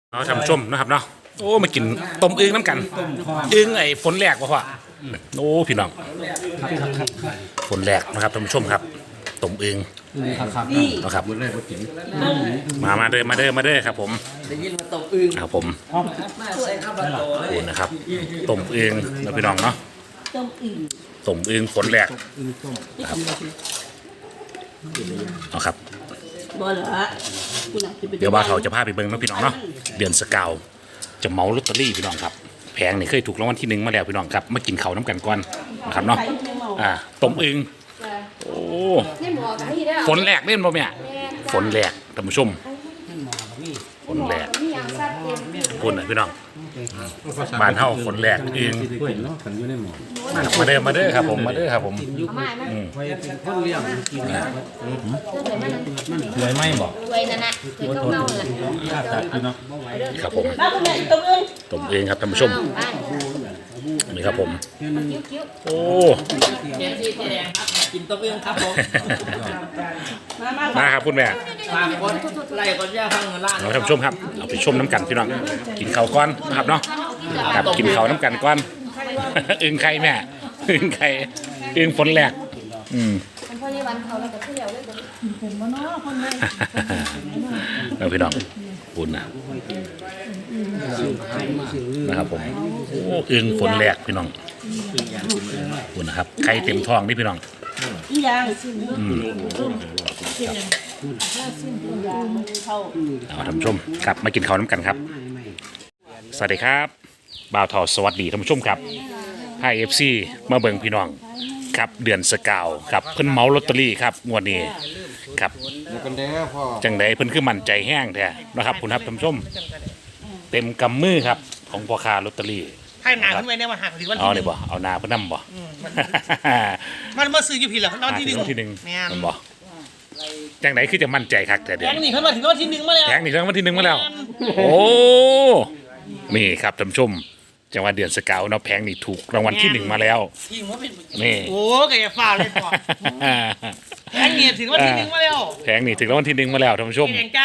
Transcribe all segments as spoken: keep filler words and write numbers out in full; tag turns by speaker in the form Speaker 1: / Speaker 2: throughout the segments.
Speaker 1: เอาทำชมนะครับเนาะโอ้มากินต้มอึ่งน้ำกันอึ่งไอ้ฝนแหลกวะพ่อโอ้พี่น้องฝนแหลกนะครับท่านผู้ชมครับต้มอึ่งนะครับมามาเด้อมาเด้อมาเด้อครับผมได้ยินว่าต้มอึ่งครับผมโอ้นะครับต้มอึ่งนะพี่น้องเนาะต้มอึ่งต้มอึ่งฝนแหลกครับเอาครับเดี๋ยวว่าเขาจะพาไปเบิ่งนะพี่น้องเนาะเดือนสกาวจะเมาลอตเตอรี่พี่น้องครับแพงนี่เคยถูกรางวัลที่หนึ่งมาแล้วพี่น้องครับมากินเขาน้ำกันก่อนนะครับเนาะอ่าต้มอึ่งโอ้ฝนแหลกเล่นบ่แม่ฝนแหลกท่านผู้ชมฝนแหลกคุณนะพี่น้องบ้านเฮาฝนแหลกอึ่งมาเด้อมาเด้อครับผมมาเด้อครับผมสวยไหมบอกสวยนั่นนะสวยเก่าๆเลยครับผมต้มเองครับท่านผู้ชมนี่ครับผมโอ้
Speaker 2: กินต้มเองครับผม
Speaker 1: มาครับคุณแม่
Speaker 2: ฝากคนไล่คนย่าพังเงินล้าน
Speaker 1: เราท่านผู้ชมครับเอาไปชมน้ำกันพี่น้องกินข้าวก้อนนะครับเนาะกับกินข้าวน้ำกันก้อนอึ่งไข่แม่อึ่งไข่อึ่งฝนแหลกอืม
Speaker 3: พ่อยี่วันเขาแล้วก็เที่ยวเลยเป็นบ่เนาะคนเลย
Speaker 1: แล้วพี่น้องปุ่นนะนะครับผมโอ้อึ่งฝนแหลกพี่น้องปุ่นนะครับไข่เต็มท้องนี่พี่น้อง
Speaker 3: อีหยัง
Speaker 1: อืมเอาท่านผู้ชมครับมากินข้าวน้ำกันครับสวัสดีครับบ่าวทอสวัสดีท่านผู้ชมครับไฮเอฟซีมาเบิ่งพี่น้องครับเดือนสกาวครับเพิ่นเมาลอตเตอรี่ครับงวดนี้ครับจังไดเพิ่นคือมั่นใจแห้งแท้นะครับคุณครับท่านผู้ชมเต็มกำมือครับของพ่อค้าลอตเตอรี่
Speaker 2: ให้หนาขึ้นไปเนี่ยมาหักถึงวันที่
Speaker 1: เอาเลยบ่เอานาเพิ่นนำบ่
Speaker 2: มันมาซื้ออยู่ผิดเหรอวันที่หนึ่ง
Speaker 1: วันที่หนึ่งมันบ่จังไดคือจะมั่นใจคักแต่เดือน
Speaker 2: แทงนี่ขึ้นมาถึงวันที่หนึ่งมาแล้ว
Speaker 1: แทงนี่ถึงวันที่หนึ่งมาแล้วโอ้นี่ครับท่านผู้ชมจังหวัดเดือนสกาวเนาะแพงนี่ถูกรางวัลที่หนึ่งมาแล้วนี่
Speaker 2: โอ้แกจะฝ่าเลยพ่อแพงนี่ถึงวันที่หนึ่งมาแล้ว
Speaker 1: แพงนี่ถึงรางวัลที่หนึ่งมาแล้วท่านผู้ชม
Speaker 2: แข่งใจ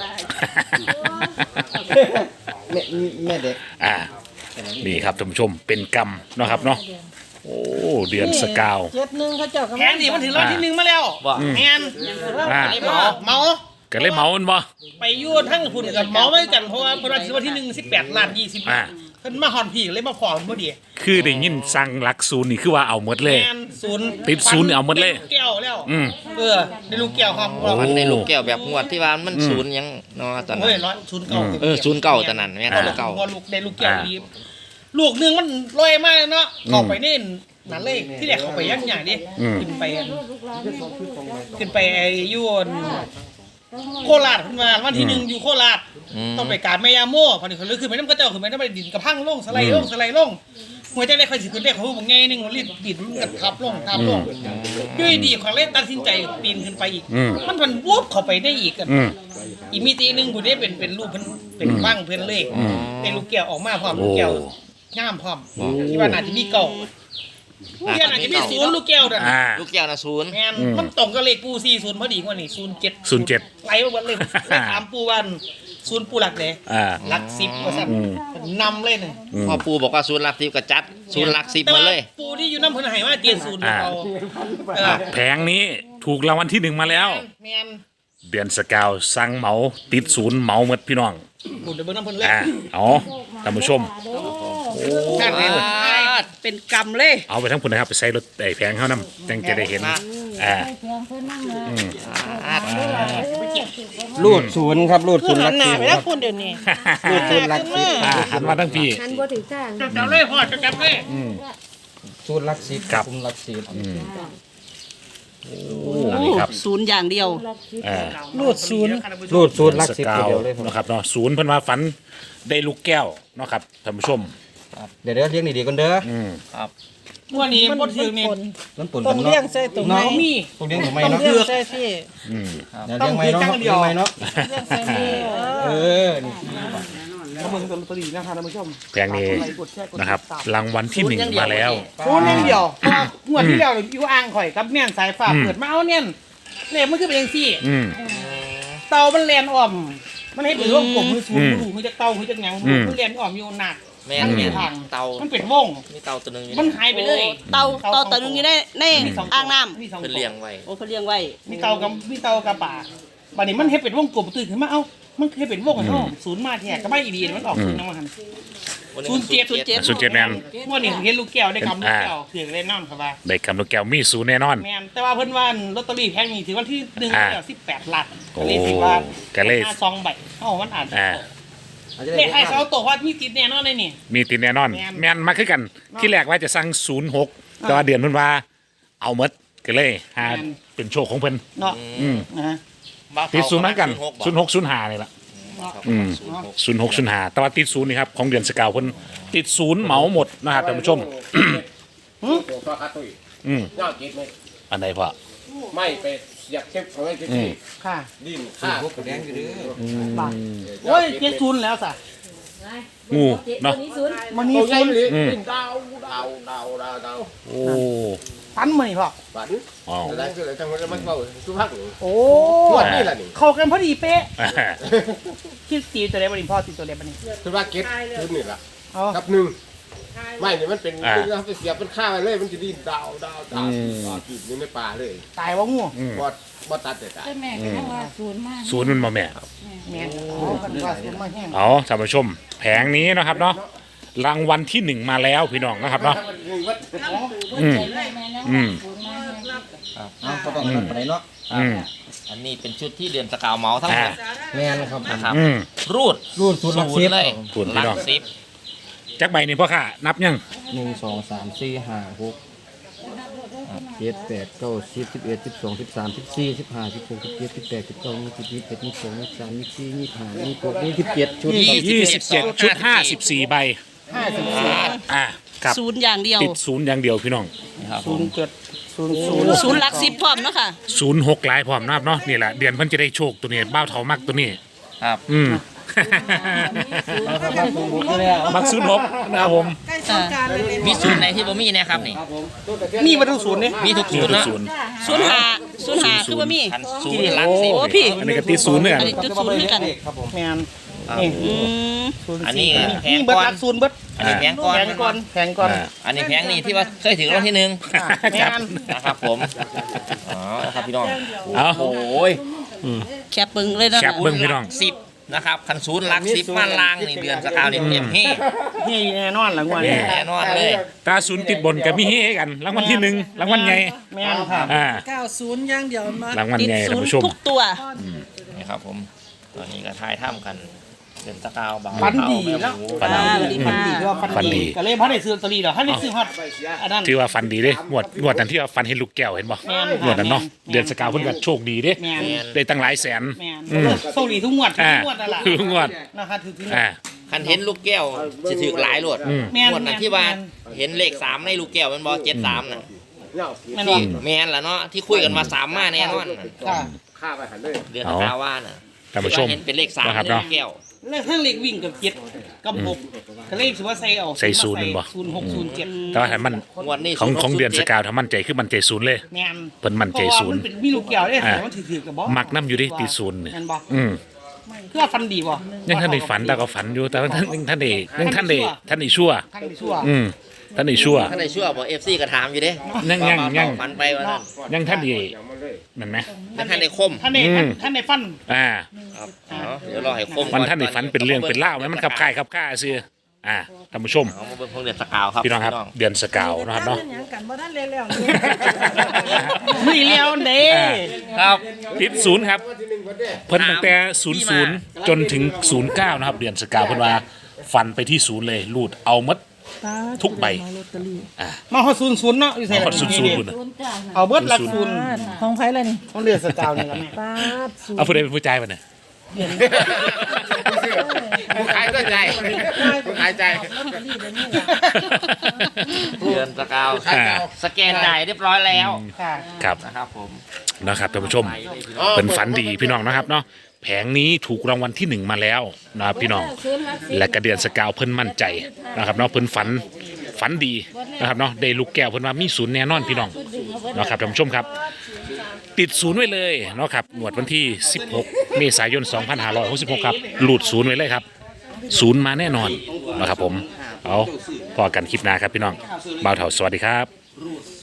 Speaker 4: แม่แม่เด็ก
Speaker 1: อ่านี่ครับท่านผู้ชมเป็นกรรมเนาะครับเนาะโอ้เดือนสกาว
Speaker 3: เจ็ดหนึ่งเขาเจ้า
Speaker 2: แพงนี่มันถึงรางวัลที่หนึ่งมาแล้วแมนเมาเมา
Speaker 1: ก็เลยเมามันบ่
Speaker 2: ไปยุ่นทั้งคุณกับเมาไม่กันเพราะว่าเพราะว่าถึงวันที่หนึ่งสิบแปดล้านยี่สิบเพิ่นมาหอนผีเลยมาขอเมื่อดี
Speaker 1: คือได้ยินสั่งหลักศูนย์นี่คือว่าเอาหมดเลย
Speaker 2: ศูนย์
Speaker 1: ติดศูนย์เอาหมดเลย
Speaker 2: แก้วแล้วเออในลูกแก้วครับ
Speaker 4: มันในลูกแก้วแบบงวดที่ว่ามันศูนย์ยังเนาะตอนนั้น
Speaker 2: เฮ้ยร้อยศูนย์เก่า
Speaker 4: เออศูนย์เก่าตอนนั้นแม่เก่า
Speaker 2: ลูกในลูกแก้วดีลูกนึงมันลอยมากเนาะเข้าไปนี่นั่นเลยที่แรกเข้าไปยังอย่างนี้ขึ้นไปขึ้นไปไอ้ยุ่นโคราชขึ้นมาวันที่หนึ่งอยู่โคราชต้องไปการแม่ยาโม่พอดีเขาเลยขึ้นไปน้ำกระเจ้าขึ้นไปน้ำไปดินกระพังลงสไลด์ลงสไลด์ลงหัวใจได้คอยสิขึ้นได้เขาบอกไงหนึ่งรีบดินมันกระทับลงทับลงด้วยดีของเล่นตัดสินใจปีนขึ้นไปอีกมันมันวุบเข้าไปได้อีกกันอีกมีตีหนึ่งผู้ได้เป็นเป็นรูปเป็นบ้างเพื่อนเลขเป็นลูกแก้วออกมาพร้อมลูกแก้วง่ามพร้อมที่ว่าน่าจะมีเก่าลูกแก้วน่าจะมีศูนย์ลูกแก้วนั่น
Speaker 4: ลูกแก้วนะศูนย์
Speaker 2: แม่มันตรงกับเลขปูสี่ศูนย์พอดีกว่านี่ศูนย์เจ็ด
Speaker 1: ศูนย์เจ็ด
Speaker 2: ไหลมาหมดเลยถามปูวันศูนย์ปูหลักเลยหลักสิบว่าสั่นนำเลยเนี่ย
Speaker 4: พอปูบอกว่าศูนย์หลักสิบก็จัดศูนย์หลักสิบมาเลย
Speaker 2: ปูที่อยู่น้ำพื้นหายว่าเตียนศูนย์เรา
Speaker 1: แผงนี้ถูกรางวัลที่หนึ่งมาแล้วเดือนสกาวสั่งเหมาติดศูนย์เหมาหมดพี่น้อง
Speaker 2: ปูเดือนน้ำพื้นเลย
Speaker 1: อ๋อท่านผู้ชม
Speaker 2: เป็นกรรมเลย
Speaker 1: เอาไปทั้งพุ่นนะครับไปใส่รถไอ้แผงเขานำจังจะได้เห็นอ่า
Speaker 4: รูดศูนย์ครับรูดศูนย์
Speaker 2: หลักสิบไปแล้วคุณเดี๋ยวนี้
Speaker 4: รูดศูนย์หลักสิบ
Speaker 1: หันมาทั้งพี่
Speaker 3: หันบ่ถึงจ้าง
Speaker 2: จับเลยพ่อจับเลย
Speaker 4: ศูนย์หลักสิบ
Speaker 1: ครับ
Speaker 4: ศูนย์หลักสิบ
Speaker 1: นี่ครับ
Speaker 3: ศูนย์อย่างเดียว
Speaker 2: รูดศูนย์
Speaker 4: รูดศูนย์หลักสิบเดียวเลย
Speaker 1: นะครับเนาะศูนย์เพิ่นว่าฝันได้ลูกแก้วเนาะครับท่านผู้ชม
Speaker 4: เดี๋ยวเดี๋ยวเลี้ยงดีๆกันเด้อ
Speaker 1: ครับ
Speaker 2: วันนี้มันถือเมน
Speaker 3: ต้องเลี้ยงใส่ตรงไหน
Speaker 2: มี
Speaker 4: ต้องเลี้ยงตรงไหนเนาะ
Speaker 3: เลี้ยงใส่ที่
Speaker 4: ต้องเลี้ยงไม้เนาะเลี้ยงไม้เนาะ
Speaker 3: เลี้ยงใส่นี่
Speaker 4: เออนี่
Speaker 2: เขาเมืองตัวตีนะครับท่านผู้ชม
Speaker 1: แพงนี้นะครับรางวัลที่หนึ่งมาแล้ว
Speaker 2: ศูนย์อย่างเดียวงวดที่แล้วอยู่อ่างข่อยกับเนี่ยสายฟ้าเปิดมาเอาเนี่ยเลขมันคือเป็นยังซี่เตามันแลนอ่อมมันให้เป็นวงกลมมือศูนย์มือจะเต้ามือจะยังมือเรียนออกอยู่หนัก
Speaker 4: แม่นแม่นเตา
Speaker 2: มันเป็นวง
Speaker 4: มีเตาตัวหนึงอยู่
Speaker 2: มันหายไปเลย
Speaker 3: เตาเตาตัวนึงอยู่ในในอ่างน้ำ
Speaker 2: มีสอง
Speaker 4: เพิ่นเลี้ยงไว้
Speaker 3: โอ้เขาเลี้ยงไว้
Speaker 2: มีเตากับมีเตากับป่าบัดนี้มันให้เป็นวงกลมตื่นขึ้นมาเอ้ามันให้เป็นวงกันเนาะศูนย์มาแท้ก็ไม่อีดีมันออกศูนย์น้ำมัน
Speaker 4: วันนี้
Speaker 2: ศูนย์เจ็ด
Speaker 3: ศูนย์เจ็ด
Speaker 1: ศูนย์เจ็ดแมน
Speaker 2: เมื่อนี่เห็นลูกแก้วได้กำลูกแก้วถือเล่นน้ำครับว่า
Speaker 1: ได้คำลูกแก้วมีศูนย์แน่นอน
Speaker 2: แม่นแต่ว่าเพิ่นว่าลอตเตอรี่แพงนี่ถือวันที่หนึ่ง
Speaker 1: อ่า
Speaker 2: แล้วสิบแปดล้าน
Speaker 1: โอ้
Speaker 2: ก็เลยถือว่า
Speaker 1: ก็เลย
Speaker 2: ห้าซองใบเอ้ามันอาจจะ
Speaker 1: อ่า
Speaker 2: เลขให้เขาตัวว่ามีติดแน่นอนเลยนี่
Speaker 1: มีติดแน่นอน
Speaker 2: แม่น
Speaker 1: แมนมาคือกัน ที่แรกว่าจะสั่งศูนย์หกแต่ว่าเดือนเพิ่นว่าเอาหมดก็เลยหา
Speaker 2: แม่น
Speaker 1: เป็นโชคของเพิ่น
Speaker 2: เนาะ
Speaker 1: อืม
Speaker 2: นะฮะ
Speaker 4: บ้า
Speaker 1: ติดศูนย์เหมือนกัน
Speaker 4: บ่
Speaker 1: ศูนย์หกศูนย์ห้านี่ล่ะ
Speaker 4: ครับ
Speaker 1: อืม
Speaker 4: ศูนย์หก
Speaker 1: ศูนย์หกศูนย์ห้าแต่ว่าติดศูนย์นี่ครับของเดือนสกาวเพิ่นติดศูนย์เหมาหมดนะครับท่านผู้ชม
Speaker 5: ตัวฟ้าคาตุย
Speaker 1: อืม
Speaker 5: ยอดกินไหม
Speaker 1: อันใดพ่อ
Speaker 5: ไม่ไปอยากเช็คเอาไว้ที่
Speaker 1: อืม
Speaker 2: ค่ะ
Speaker 5: ดินข้า
Speaker 2: บาทโอ้ยเจ็ดศูนย์แล้วสะ
Speaker 1: งูเนาะ
Speaker 2: มัน
Speaker 5: โอ้
Speaker 2: นี่
Speaker 5: ย
Speaker 2: ศูนย์
Speaker 5: เลย
Speaker 1: อืม
Speaker 5: ดินดาวดาวดาวดาวดาว
Speaker 1: โอ้
Speaker 2: พันมานี่พ่อ
Speaker 5: บัด
Speaker 1: อ๋อ
Speaker 5: อะไรก็เลยจังหวะมันเบาสุภาพหนึ่ง
Speaker 2: โอ้
Speaker 5: ทวดนี่แหละนี่
Speaker 2: เข้ากันพอดีเป๊ะ
Speaker 1: อ่า
Speaker 2: คิดตีตัวเล็กบันนี้พ่อตีตัวเล็กบันนี้
Speaker 5: สุภาพเก็ตพื้นนี่แหละ
Speaker 2: เอา
Speaker 5: กับหนึ่งไม่เนี่ยมันเป็นดึงแล้วไปเสียบเป็นข้าวเลยมันจะดินดาวดาวดาวกินอยู่ในป่าเลย
Speaker 2: ตายว่างู
Speaker 1: อืม
Speaker 5: บอดบอดตัดแต่ตาย
Speaker 3: แต่แม่ก็ยังว่าศูนย์มาก
Speaker 1: ศูนย์มันมาแม่
Speaker 2: แม่นเอากันว่าศูนย์มาแห้ง
Speaker 1: เอาท่านผู้ชม แผงนี้นะครับเนาะรางวัลที่หนึ่งมาแล้วพี่น้องนะครับเนาะอืมอืม
Speaker 6: เอาก็ต้องไปไหนเนาะ
Speaker 1: อืม
Speaker 4: อันนี้เป็นชุดที่เดือนสกาวเมาทั้งหมด
Speaker 6: แม่นครับ
Speaker 4: นะครับ
Speaker 1: อืม
Speaker 4: รูด
Speaker 6: รูดศูนย์หลักสิบ
Speaker 4: เลย
Speaker 1: ศูนย์พี่
Speaker 4: หลั
Speaker 1: น้อง
Speaker 4: กสิบ
Speaker 1: จักใบนี่พ่อค่ะ นับยัง
Speaker 6: หนึ่งสองสามสี่ห้าหกเจ็ดแปดเก้าสิบสิบเอ็ดสิบสองสิบสามสิบสี่สิบห้าสิบหกสิบเจ็ดสิบแปดสิบเก้ายี่สิบยี่สิบเอ็ดยี่สิบสองยี่สิบสามยี่สิบสี่ยี่สิบห้ายี่สิบหกยี่สิบเจ็ดชุดครับ
Speaker 1: ยี่สิบเจ็ดชุดห้าสิบสี่ใบ
Speaker 2: ห้าสิบสี่
Speaker 1: อ่าครับ
Speaker 3: ศูนย์อย่างเดียว
Speaker 1: ติดศูนย์อย่างเดียวพี่น้อง
Speaker 4: นะครับผ
Speaker 2: ศูน
Speaker 4: ม
Speaker 2: ย์เจ็ดศูนย์ศูนย์
Speaker 3: ศูนย์หลักสิบพร้อมเนาะค่ะ
Speaker 1: ศูนย์หกหลายพร้อมนะครับเนาะนี่แหละเดือนเพิ่นจะได้โชคตัวนี้บ้าวเถามักตัวนี้
Speaker 4: ครับ
Speaker 1: อืม มักศูนย์หกนะครับผม
Speaker 4: มีศูนย์ไหนที่บ่มีเนะครับนี่
Speaker 2: มีมาทั้งศูนย์เนี่ย
Speaker 4: มีทุก
Speaker 1: นี่
Speaker 4: ศูนย์
Speaker 1: คือ
Speaker 4: เนาะ
Speaker 1: ศูนย์
Speaker 3: ศูนย์หาศูนย์หาคือว่ามี
Speaker 4: พันศูนย์หลักสิบ
Speaker 3: โอ้พี่
Speaker 1: อันนี้ก็ติดศูนย์เนี่ย
Speaker 3: อันนี้จุดศูนย์ด้วยกัน
Speaker 2: แม่น
Speaker 4: ครับ
Speaker 2: นี่
Speaker 3: อืม
Speaker 2: ศูนย์
Speaker 4: อันนี้
Speaker 2: สี่
Speaker 4: แพง
Speaker 2: นี่เบิด
Speaker 4: ก่อน
Speaker 2: หลักศูนย์เบิด
Speaker 4: อันนี้แพงก่อน
Speaker 2: แพงก่อนแพงก่อน
Speaker 1: อ่า
Speaker 4: อันนี้แพงนี่ที่ว่าเคยถึงรางวัลที่หนึ่ง
Speaker 2: แม่น
Speaker 4: นะครับผมอ๋อนะครับพี่น้อง
Speaker 1: เอา
Speaker 4: โอ้ย
Speaker 3: แคบปึงเลยนะ
Speaker 1: แคป เบิ่งพี่น้อง
Speaker 4: สิบนะครับคันศูนย์หลักสิบมาลางนี่เดือนสกาวนี่เต็มที่
Speaker 2: นี่แน่นอนหลังวันนี้
Speaker 4: แน่นอนเลย
Speaker 1: ตาศูนย์ติดบนกับมีเฮกันรางวัลที่หนึ่งรางวัลใหญ่
Speaker 2: แม่นค่ะ
Speaker 1: อ่า
Speaker 7: เก้าศูนย์อย่างเดียวมาร
Speaker 1: างวัล
Speaker 3: ติด
Speaker 1: ใหญ่
Speaker 3: ศู
Speaker 1: ท่าน
Speaker 3: นย์
Speaker 1: ผู้ชม
Speaker 3: ทุกตัว
Speaker 4: นี่ครับผมตอนนี้ก็ทายถ้ำกันเดือนสกาวบาง
Speaker 2: ฟันดีแล้ว
Speaker 1: ฟันดี
Speaker 2: ฟันดีฟันดีที่ว่าฟัน
Speaker 1: ฟันดี
Speaker 2: ดีก็เลยเพราะได้ซื้อลอตเตอรี่ดอกถ้าได้ซื้อฮอตอันนั้น
Speaker 1: ถือว่าฟันดีเด้งวดงวดนั้นที่ว่าฟันเห็นลูกแก้วเห็นบ่
Speaker 2: แม่น
Speaker 1: งวดนั้นเนาะ
Speaker 2: แม่น
Speaker 1: เดือนสกาวเพิ่นก็โชคดีเด้
Speaker 2: แม่น
Speaker 1: ได้ตั้งหลายแสน
Speaker 2: แม่น
Speaker 1: อืม
Speaker 2: โชคดีทุกงวดทุ
Speaker 1: อ่าก
Speaker 2: งวดนั่นแหละ
Speaker 1: ทุกงวด
Speaker 2: นะคะถือถึง
Speaker 1: อ่า
Speaker 4: คันเห็นลูกแก้วจะถือหลายโลด
Speaker 1: อืม
Speaker 2: แม่น
Speaker 4: งวดนั้นที่ว่าเห็นเลขสามในลูกแก้วมันบอเจ็ดสามน่ะ
Speaker 2: แม่น
Speaker 4: ที่
Speaker 2: บ่
Speaker 4: แมนล่ะเนาะที่คุยกันมาสามมาแน่นอนน่ะ
Speaker 2: ค่ะ
Speaker 5: ข้าไปหันเลย
Speaker 4: เดือนสกาวว่าน่ะ
Speaker 1: ท่านผู้ชม
Speaker 4: ที่ว่เห็นเป็นเลขสาม
Speaker 1: นะครับ
Speaker 4: ใน
Speaker 1: เนาะ
Speaker 4: ลูกแก้ว
Speaker 2: เลขทั้งเลขวิ่งกับเจ็ดกับหกก็เลขถือว่าใส่เอา
Speaker 1: ใส่ศูนย์บ่
Speaker 2: ศูนย์หกศูนย์เจ็ด
Speaker 1: แต่ว่าถ้ามัน
Speaker 4: งวดนี้
Speaker 1: ของของเดือนส
Speaker 4: ศูย์ห
Speaker 1: กาวถ้ามั่นใจคือมั่นใจศูนย์เลย
Speaker 2: แม่น
Speaker 1: เพิ่นมั่น
Speaker 2: เพ
Speaker 1: ใจ
Speaker 2: ราะว่า
Speaker 1: ศูน
Speaker 2: มั
Speaker 1: ย์
Speaker 2: นเป็นมีลูกแก้วได้
Speaker 1: อ่า
Speaker 2: แต่มันถือๆกับบ่
Speaker 1: มักน้ำอยู่ดิตีศูนย์เนี่ย
Speaker 2: แม่นบ่
Speaker 1: อืม
Speaker 2: คือว่าฟันดีบ่
Speaker 1: ยังท่านได้ฝันแต่ก็ฝันอยู่แต่ว่าท่านยังท่านได้ยังท่านได้ท่านได้ชั่ว
Speaker 2: ท่านได้ชั่ว
Speaker 1: อืมท่านได้ชั่ว
Speaker 4: ท่านในชั่วบอกเอฟซีก็ถามอยู่เด้
Speaker 1: ยังยังยัง
Speaker 4: ฝันไปว่านั้น
Speaker 1: ยังท่านได้
Speaker 5: อย่างมันเลย
Speaker 1: นั่นไหม
Speaker 4: ท่านในคม
Speaker 2: ท่านได้
Speaker 1: อืม
Speaker 2: ท่านได้ฟัน
Speaker 1: อ่า
Speaker 4: ครับอ๋อเดี๋ยวรอให้คม
Speaker 1: มันท่านได้ฝันเป็นเรื่องเป็นเล่าวไหมมันขับค่ายขับค่าซื้ออ่าท่านผู้ชม
Speaker 4: เอามาเบิ่งพวกเดือนสกาวครับ
Speaker 1: พี่น้องครับ เดือนสกาวนะครับเนาะ
Speaker 7: หยังกันบ่ทันแล้วๆ
Speaker 2: นี่เลี้ยวเด้
Speaker 1: อ่า
Speaker 4: ครับ
Speaker 1: ติดศูนย์ครับ
Speaker 5: ที่หนึ่งวันเด้
Speaker 1: เพิ่นตั้งแต่ศูนย์ศูนย์จนถึงศูนย์เก้านะครับ เดือนสกาวเพิ่นว่าฟันไปที่ศูนย์เลยรูดเอาหมัด ทุกใบ
Speaker 2: มาฮอดศูนย์ศูนย์เนาะอยู่ไส
Speaker 1: ฮอดศูนย์ศูนย์
Speaker 2: นี่
Speaker 1: พุ่นน่ะ
Speaker 2: เอาเบิดหลักศูนย์
Speaker 7: ของไผล่ะนี่
Speaker 2: ต้องเลือดสกาวนี่ล่ะแม่
Speaker 7: ปาดศูน
Speaker 1: เอา
Speaker 7: ย์
Speaker 1: ผู้ใดเป็นผู้จ่ายป่ะเนี่ย
Speaker 5: ผู้ขายก็ใจผู้ขายใจ
Speaker 4: เดือนสกาว
Speaker 1: อ่า
Speaker 4: สแกนจ่ายเรียบร้อยแล้ว
Speaker 2: ค่ะ
Speaker 1: ครับ
Speaker 4: นะครับผม
Speaker 1: นะครับท่านผู้ชมเป็นฝันดีพี่น้องนะครับเนาะแผงนี้ถูกรางวัลที่หนึ่งมาแล้วนะครับพี่น้อง และกระเดือนสกาวเพิ่นมั่นใจนะครับเนาะเพิ่นฝันฝันดีนะครับเนาะได้ลูกแก้วเพิ่นว่ามีศูนย์แน่นอนพี่น้องนะครับท่านผู้ชมครับติดศูนย์ไว้เลยเนาะครับงวดวันที่สิบหกเมษายนสองพันห้าร้อยหกสิบหกครับหลุดศูนย์ไว้เลยครับศูนย์มาแน่นอนนะครับผมเอาพอกันคลิปหน้าครับพี่น้องบ่าวเฒ่าสวัสดีครับ